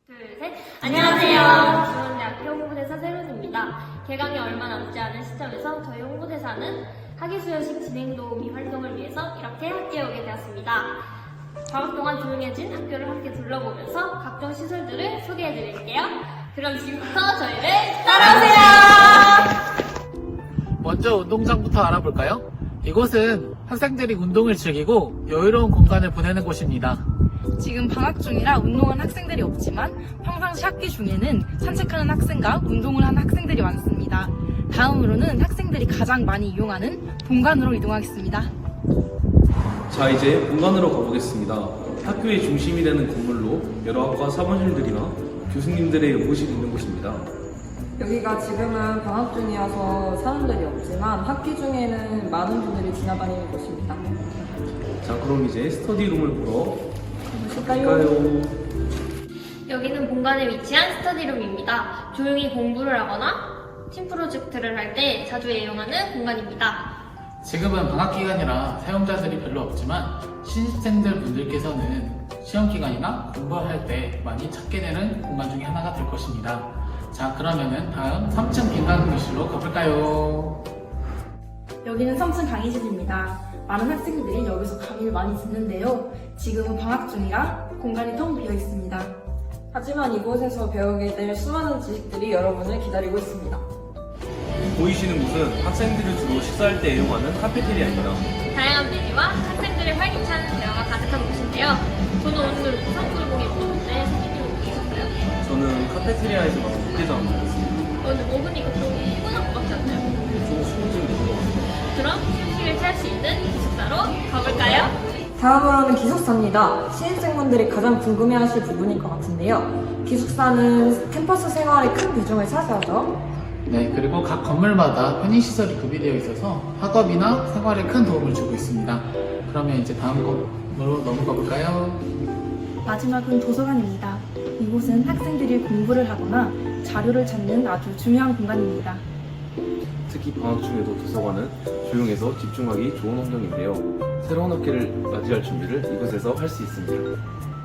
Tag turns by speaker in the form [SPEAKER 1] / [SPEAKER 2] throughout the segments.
[SPEAKER 1] 둘, 셋. 안녕하세요. 중원대학교 홍보대사 세론입니다. 개강이 얼마 남지 않은 시점에서 저희 홍보대사는 학예수여식 진행 도우미 활동을 위해서 이렇게 학교에 오게 되었습니다. 방학 동안 조용해진 학교를 함께 둘러보면서 각종 시설들을 소개해드릴게요. 그럼 지금부터 저희를 따라오세요.
[SPEAKER 2] 먼저 운동장부터 알아볼까요? 이곳은 학생들이 운동을 즐기고 여유로운 공간을 보내는 곳입니다.
[SPEAKER 3] 지금 방학 중이라 운동하는 학생들이 없지만 평상시 학기 중에는 산책하는 학생과 운동을 하는 학생들이 많습니다. 다음으로는 학생들이 가장 많이 이용하는 본관으로 이동하겠습니다.
[SPEAKER 4] 자, 이제 본관으로 가보겠습니다. 학교의 중심이 되는 건물로 여러 학과 사무실들이나 교수님들의 의무실이 있는 곳입니다.
[SPEAKER 5] 여기가 지금은 방학 중이어서 사람들이 없지만 학기 중에는 많은 분들이 지나다니는 곳입니다.
[SPEAKER 4] 자, 그럼 이제 스터디룸을 보러
[SPEAKER 5] 보실까요?
[SPEAKER 4] 가볼까요?
[SPEAKER 1] 여기는 본관에 위치한 스터디룸입니다. 조용히 공부를 하거나 팀 프로젝트를 할 때 자주 애용하는 공간입니다.
[SPEAKER 2] 지금은 방학 기간이라 사용자들이 별로 없지만 신입생들 분들께서는 시험 기간이나 공부할 때 많이 찾게 되는 공간 중에 하나가 될 것입니다. 자, 그러면은 다음 3층 빈강의실로 가볼까요?
[SPEAKER 3] 여기는 3층 강의실입니다. 많은 학생들이 여기서 강의를 많이 듣는데요. 지금은 방학 중이라 공간이 텅 비어 있습니다.
[SPEAKER 5] 하지만 이곳에서 배우게 될 수많은 지식들이 여러분을 기다리고 있습니다.
[SPEAKER 4] 보이시는 곳은 학생들이 주로 식사할 때 애용하는 카페테리아입니다.
[SPEAKER 1] 다양한 메뉴와 학생들의 활기찬 대화가 가득한 곳인데요. 저는 오늘 부산불고기 먹었는데 선생님 먹으셨어요?
[SPEAKER 4] 저는 카페테리아에서 나온 육개장 먹었습니다.
[SPEAKER 1] 오늘 먹으니까 좀 피곤한 것 같지 않나요?
[SPEAKER 4] 좀 수고증이 들것 같아요.
[SPEAKER 1] 그럼 휴식을 취할 수 있는 기숙사로 가볼까요?
[SPEAKER 5] 다음으로는 기숙사입니다. 신입생분들이 가장 궁금해하실 부분일 것 같은데요. 기숙사는 캠퍼스 생활에 큰 비중을 차지하죠.
[SPEAKER 2] 네, 그리고 각 건물마다 편의시설이 구비되어 있어서 학업이나 생활에 큰 도움을 주고 있습니다. 그러면 이제 다음 건물로 넘어가 볼까요?
[SPEAKER 3] 마지막은 도서관입니다. 이곳은 학생들이 공부를 하거나 자료를 찾는 아주 중요한 공간입니다.
[SPEAKER 4] 특히 방학 중에도 도서관은 조용해서 집중하기 좋은 환경인데요. 새로운 학기를 맞이할 준비를 이곳에서 할 수 있습니다.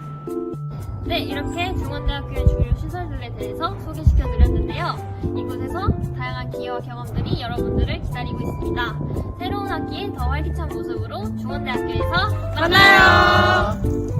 [SPEAKER 1] 네, 이렇게 중원대학교의 주요 시설들에 대해서 소개시켜드렸는데요. 이곳에서 다양한 기회와 경험들이 여러분들을 기다리고 있습니다. 새로운 학기에 더 활기찬 모습으로 중원대학교에서 만나요!